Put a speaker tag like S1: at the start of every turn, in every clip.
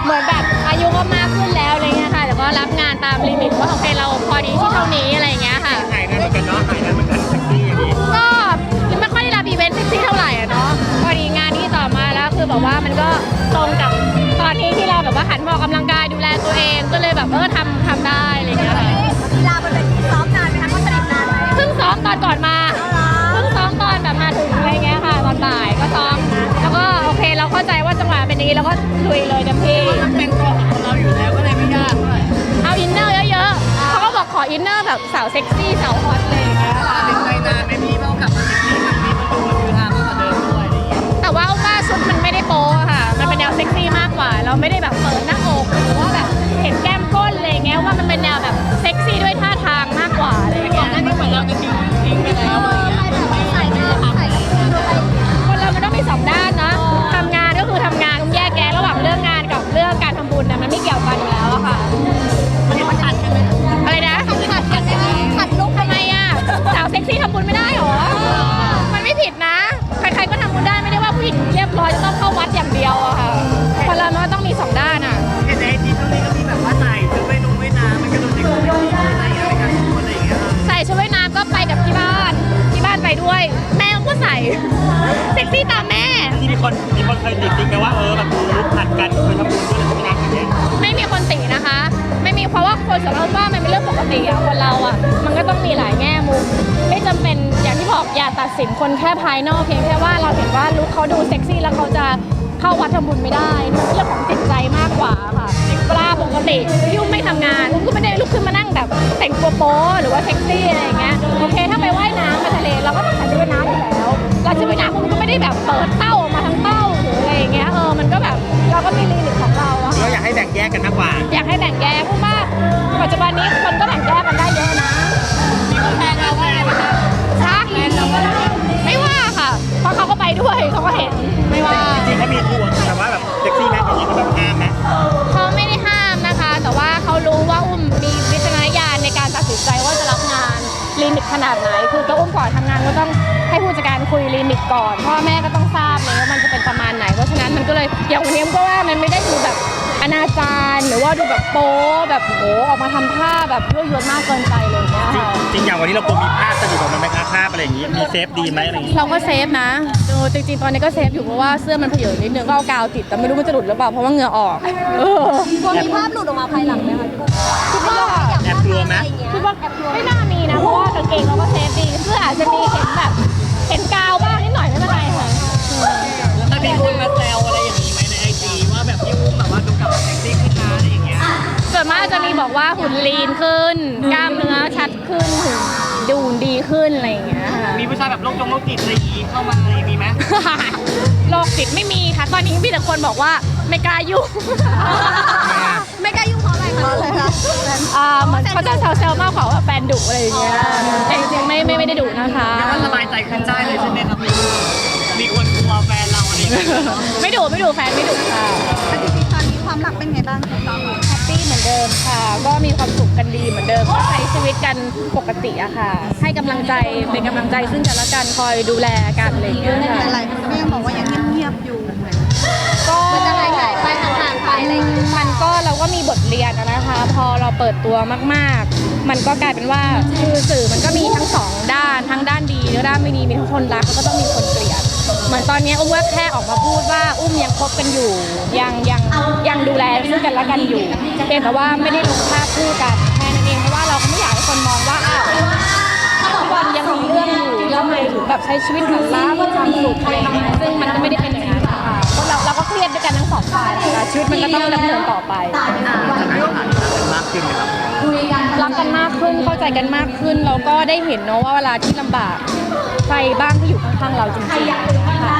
S1: เหมือนแบบอายุก็มากขึ้นแล้วอะไรเงี้ยค่ะแต่ก็รับงานตามลิมิตว่าโอเคเราพอดีที่เท่านี้อะไรเงี้ยค่ะ
S2: ถ่ายงานเหมือนกันเนาะถ่ายงานเหมือนกันเซ็กซี่อย่างนี้
S1: ก็ไม่ค่อยได้รับอีเวนต์เซ็กซี่เท่าไหร่เนาะพอดีงานที่ต่อมาแล้วคือแบบว่ามันก็ตรงกับตอนนี้ที่เราแบบว่าหันมาออกกำลังกายดูแลตัวเองก็เลยแบบทำได้อะไรเงี้ยค่ะ
S3: กีฬาบนเวทีซ้อมนานไหมคะเขาสนิทนานไหม
S1: เพิ่งซ้อมตอนก่อนมาเพิ่งซ้อมตอนแบบมาถึงอะไรเงี้ยค่ะตอนบ่ายก็ซ้อมแล้วก็โอเคเราเข้าใจว่าจังหวะเป็นอย่างนี้เราก็ลุยเลยเต็มที่
S2: มันเป็นตัวของเราอยู่แล้วก็เลยไม่ยากด้วย
S1: เอาอินเนอร์เยอะๆเขาก็บอกขออินเนอร์แบบสาวเซ็กซี่สาวฮอตเลยอย่างเงี้ยค่ะ
S2: ติดใจนานไม่มีต้องกลับมาเซ็กซี่แบบนี้มันดูคือฮามากกว่าเดิมด้วยอะไรอย่างเงี้ย
S1: แต่ว่าชุดมันไม่ได้โป๊ค่ะมันเป็นแนวเซ็กซี่มากกว่าเราไม่ได้แบบเปิดหน้าอกหรือว่าแบบเห็นแก้มก้นอะไรเงี้ยว่ามันเป็นแนวแบบเซ็กซี่ด้วยท่าทางมากกว่าอะไรเงี้ย
S2: นั่นก็เหมือนเราจะทิ้งไปแล้วอะไรอย่างเงี้ย
S3: ใส่หน้าใส่
S1: คนเรามันต้องมี2 ด้านนะทำงานก็คือทำงานต้องแยกแยะระหว่างเรื่องงานกับเรื่องการทำบุญนะมันไม่เกี่ยวกันอยู่แล้วอะค่ะ
S2: มันขัดกันไหม
S1: อะไรนะ
S3: ขัดกันได้ไหมขัดลุก
S1: ทำไมอะสาวเซ็กซี่ทำบุญไม่ได้หรอมันไม่ผิดนะใครๆก็ทำบุญได้ไม่ได้ว่าผู้หญิงเรียบร้อยจะต้องเข้าวัดอย่างเดียวอะค่ะคนเรามันต้องมี2 ด้านอะ
S2: เห็นในไอจีช่วงนี้ก็มีแบบว่าใส่ชุดว่ายน้ำมันก็ดูเซ็กซี่อะไรอย่างเงี้ยในการพูดอะไรอย่างเงี้ย
S1: ใส่ชุดว่ายน้ำก็ไปกับที่บ้านไปด้วยแม่ก็ใส่เซ็กซี่ตามแม่
S2: ที่มีคนเคยติดไหมว่าแบบลุกขัดกันเคยทำบุญด้วยหรือไม่อย่างเงี้ย
S1: ไม่มีคนตินะคะไม่มีเพราะว่าคนสำหรับว่ามันเป็นเรื่องปกติอะคนเราอะมันก็ต้องมีหลายแง่มุมไม่จำเป็นอย่างที่บอกอย่าตัดสินคนแค่ภายนอกเพียงแค่ว่าเราเห็นว่าลุคเขาดูเซ็กซี่แล้วเขาจะเข้าวัดทำบุญไม่ได้เรื่องของจิตใจมากกว่าค่ะเวลาปกติยุ่งไม่ทำงานลุกก็ไม่ได้ลุกขึ้นมานั่งแบบแต่งตัวโป๊หรือว่าเซ็กซี่อะไรอย่างเงี้ยโอเคถ้าไปว่ายน้ำมาทะเลเราก็ต้องใส่ชุดว่ายน้ำอยู่แล้วเราชุดว่ายน้ำมันก็ไม่ได้แบบเปิดเต้าออกมาทั้งเต้าหรืออะไรอย่างเงี้ยมันก็แบบเราก็มีลิมิตของเราอะ
S2: เราอยากให้แบ่งแยกกันมากกว่า
S1: อยากให้แบ่งแยกเพราะว่าปัจจุบันนี้คนก็แบ่งแยกกันได้เยอะนะ
S2: มีคนแทนเราว่าอะไรคะ
S1: ชักไม่ว่าค่ะเพราะเขาก็ไปด้วยเขาก็เห็นไม่ว่า
S2: จริงๆเขามีทัวร์แต่ว่าแบบเซ็กซี่แม็กอย่างนี้เขาแบบห้ามไหม
S1: เขาไม่ได้ห้ามนะคะแต่ว่าเขารู้ว่าอุ้มมีวิจารณญาณในการตัดสินใจว่าจะรับงานลิมิตขนาดไหนคือตัวอุ้มก่อนทำงานก็ต้องให้ผู้จัดการคุยลิมิตก่อนพ่อแม่ก็ต้องทราบเลยว่ามันจะเป็นประมาณไหนเพราะฉะนั้นมันก็เลยอย่างวันนี้ก็ว่ามันไม่ได้ดูแบบอนาจารหรือว่าดูแบบโป๊แบบโหออกมาทำท่าแบบยั่วยวนมากเกินไปเลยเนี่ย
S2: จริงอย่างวันนี้เราควรมีภาพสะดุดออกมาไหมคะภาพอะไรอย่างนี้มีเซฟดีไหมอะไรอย่างนี้
S1: เราก็เซฟนะจริงๆตอนนี้ก็เซฟอยู่เพราะว่าเสื้อมันเผยนิดนึงก็เอากาวติดแต่ไม่รู้มันจะหลุดหรือเปล่าเพราะว่าเหงื่อออก
S3: กลัวมีภาพหลุดออกมาภายหลังไหมคะ
S1: คิดว่า
S2: แอบกลัวไหม
S1: คิดว่าไม่น่ามีนะเพราะว่ากางเกงเราก็เซฟดีเสื้ออาจจะมีเห็นกาวบ้างนิดหน่อยไม่เป็นไรค่ะ
S2: แล้วมีคนมาแซวอะไรอย่างนี้ไหมในไอจีว่าแบบพี่อุ้มแบบว่าดูกลับมาเซ็กซี่ขึ้นนะอะไรอย่างเงี้ย
S1: ส่วนมากจะมีบอกว่าหุ่นลีนขึ้นกล้ามเนื้อชัดขึ้นดูดีขึ้นอะไรอย่างเงี้ย
S2: มีผู้ชายแบบโรคจิตอะไรอย่างงี้เข้ามาอะไรมีไหม
S1: โรคจิตไม่มีค่ะตอนนี้มีแต่คนบอกว่าไม่กล้ายุ่ง
S3: ไม่กล้ายุ่งเพราะอะไรคะ
S1: เหมือนเขาจะแซวๆมากกว่าว่าแฟนดุอะไรอย่างเงี้ยแต่จริงๆไม่ได้ดุนะคะ
S2: ก็สบายใจขึ้นได้เลยใช่ไหมครับมีคนกลัวแฟนเราอะไร
S1: ไม่ดุแฟนไม่ดุค่ะ
S3: จริงๆตอนนี้ความรักเป็นไงบ้างคะตอนนี้
S1: แฮปปี้เหมือนเดิมค่ะก็มีความสุขกันดีเหมือนเดิมก็ใช้ชีวิตกันปกติอะค่ะให้กำลังใจเป็นกำลังใจซึ่งกันและกันคอยดูแลกันอะไรอย่างเงี้ยค่ะ
S3: หลายคนก็ยังบอกว่ายังเงียบๆอยู่ก็มันจะหายไปห่างๆไปอะไรอย่างเงี้ย
S1: มันก็เราก็มีบทเรียนนะคะพอเราเปิดตัวมากๆมันก็กลายเป็นว่าคือสื่อมันก็มีทั้ง2 ด้านทั้งด้านดีและด้านไม่ดีมีทั้งคนรักแล้วก็ต้องมีคนเกลียดเหมือนตอนนี้อุ้มว่าแค่ออกมาพูดว่าอุ้มยังคบกันอยู่ยังดูแลซึ่งกันและกันอยู่เพียงแต่ว่าไม่ได้ลงภาพคู่กันแค่นั้นเองเพราะว่าเราก็ไม่อยากให้คนมองว่าทุกวันยังมีเรื่องอยู่ทำไมถึงแบบใช้ชีวิตหรูหรามีความสุขอะไรอย่างเงี้ยซึ่งมันก็ไม่ได้เป็นอย่างนั้นค่ะเพราะเราก็เครียดด้วยกันทั้ง2 ฝ่ายนะคะชีวิตมันก็ต้องดำเนินต่อไป
S2: มากขึ้นครับ
S1: รักกันมากขึ้นเข้าใจกันมากขึ้นเราก็ได้เห็นเนาะว่าเวลาที่ลำบากใครบ้างที่อยู่ข้างๆเราจริงๆค่ะ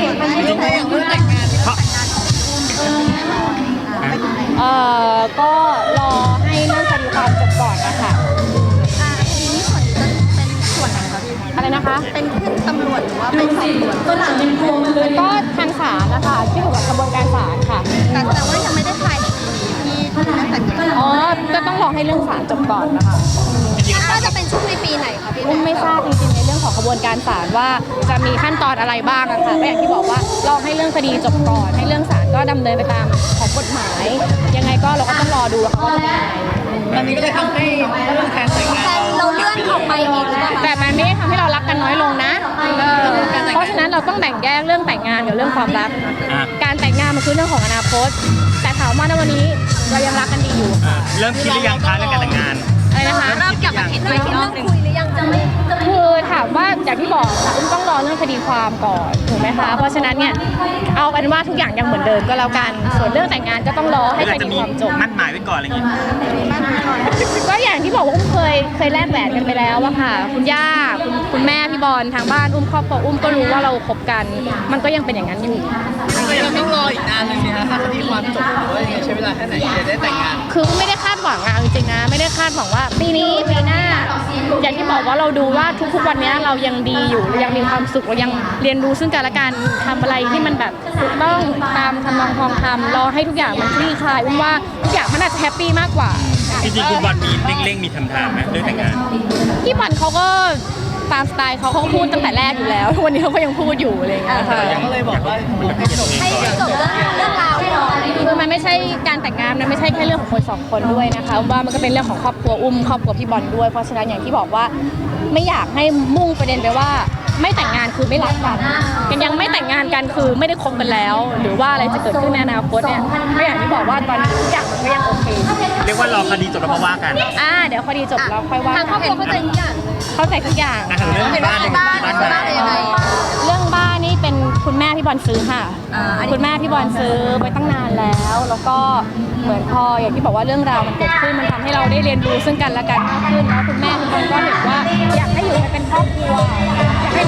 S1: ก็รอให้เรื่องคดีความจบก่อนนะคะ
S3: ทีนี้ส่วนจะเป็นส่วนไหนคะพี่
S1: อะไรนะคะ
S3: เป็นขึ้นตำรวจหรือว่าเป็นสอบสวน
S1: ตัวหลังเป็นโครงเลยก็ทางศาลนะคะที่อยู่กับกระบวนการศาลค่ะ
S3: แต่ว่ายังไม่ได้ถ่ายที่ตั้งแต่
S1: ก็ต้องรอให้เรื่องศาลจบก่อนนะคะ
S3: น่าจะเป็นช่วงในปีไหนคะพี่
S1: ไม่ทราบจริงๆในเรื่องของกระบวนการศาลว่าจะมีขั้นตอนอะไรบ้างอะค่ะก็อย่างที่บอกว่าลองให้เรื่องคดีจบก่อนให้เรื่องศาลก็ดำเนินไปตามของกฎหมายยังไงก็เราก็ต้องรอดูว่าเขาจะเป็นยังไง
S2: ตอนนี้ก็เลยทำให้เรื่องการแต่งงาน
S3: เราเลื่อนออกไปอีกหรือเปล่า
S1: แต่มันไม่ได้ทำให้เรารักกันน้อยลงนะเพราะฉะนั้นเราต้องแบ่งแยกเรื่องแต่งงานกับเรื่องความรัก การแต่งงานมันคือเรื่องของอนาคต แต่ถามว่าในวันนี้เรายังรักกันดีอยู่
S4: เริ่มคิดหรือยังคะเรื่องการแต่งงาน
S1: อะไรนะคะ
S3: เริ่มกลับมาคิดเรื่องคุยหรือยังจะไม่
S1: คือถามว่าอย่างที่บอกค่ะอุ้มต้องรอเรื่องคดีความก่อนถูกไหมคะเพราะฉะนั้นเนี่ยเอาเป็นว่าทุกอย่างยังเหมือนเดิมก็แล้วกันส่วนเรื่องแต่งงานก็ต้องรอให้
S4: หรือ
S1: ค
S4: อาจจะ
S1: ดี
S4: มี
S1: ความจบ
S4: มั่นหมายไว้ก่อนอะไรอย่างเงี้ย
S1: ก็อย่างที่บอกว่าอุ้มเคยแลกแหวนกันไปแล้วอะค่ะคุณย่าคุณแม่พี่บอลทางบ้านอุ้มครอบครัวอุ้มก็รู้ว่าเราคบกัน มันก็ยังเป็นอย่างนั้นอยู่
S2: ก็ยังต้องรออีกนานเลยสิคะถ้าคดีความจบหรือว่ายังไงใช้เวลาแค่ไหนจะได้แต่งงาน
S1: คือไม่ได้คาดหวังอะเอาจริงๆนะไม่ได้คาดหวังว่าปีนี้ปีหน้า อย่างที่บอกว่าเราดูว่าทุกๆวันนี้เรายังดีอยู่เรายังมีความสุขเรายังเรียนรู้ซึ่งกันและกันทำอะไรที่มันแบบถูกต้องตามทำนองคลองธรรมรอให้ทุกอย่างมันคลี่คลายอุ้มว่าทุกอย่างมันอาจจะแฮปปี้มากกว่า
S4: จริงๆคุณบอลมีเร่งๆมีทำทางไหมเรื่องแต่งงาน
S1: พี่บอลเขาก็ตามสไตล์เขาก็พูดตั้งแต่แรกอยู่แล้วทุกวันนี้เขาก็ยังพูดอยู่อะไรอย่างเงี้ยค่ะ
S2: ก็เลยบอกว่าให้จบ
S3: ให้จบเรื่องราวก่อน
S1: คือมันไม่ใช่การแต่งงานมันไม่ใช่แค่เรื่องของคนสองคนด้วยนะคะว่ามันก็เป็นเรื่องของครอบครัวอุ้มครอบครัวพี่บอลด้วยเพราะฉะนั้นอย่างที่บอกว่าไม่อยากให้มุ่งประเด็นไปว่าไม่แต่งงานคือไม่รักกันยังไม่แต่งงานกันคือไม่ได้คบกันแล้ว หรือว่าอะไรจะเกิดขึ้นในอนาคตเนี่ยก็อย่างที่บอกว่าตอนนี้ทุกอย่างมันก็ยังโอเค
S4: เรียกว่ารอคดีจบแล้วมาว่ากัน
S1: เดี๋ยวคดีจบแล้วค่อยว่า
S3: ทางครอบครัวเข้าใจทุกอย่าง
S1: เข้าใจทุกอย่าง
S4: อ่ะเรื่องบ้านเนี่ยบ้าน
S3: บ้านเป็นยังไง
S1: เรื่องบ้านนี่เป็นคุณแม่พี่บอลซื้อค่ะ คุณแม่พี่บอลซื้อไว้ตั้งนานแล้ว แล้วก็เหมือนพออย่างที่บอกว่าเรื่องราวมันเกิดขึ้นมันทำให้เราได้เรียนรู้ซึ่งกันและกันมากขึ้นแล้วคุณแม่พี่บอลก็เห็นว่าอยากให้อยู่กันเป็นครอบครัวอยากให้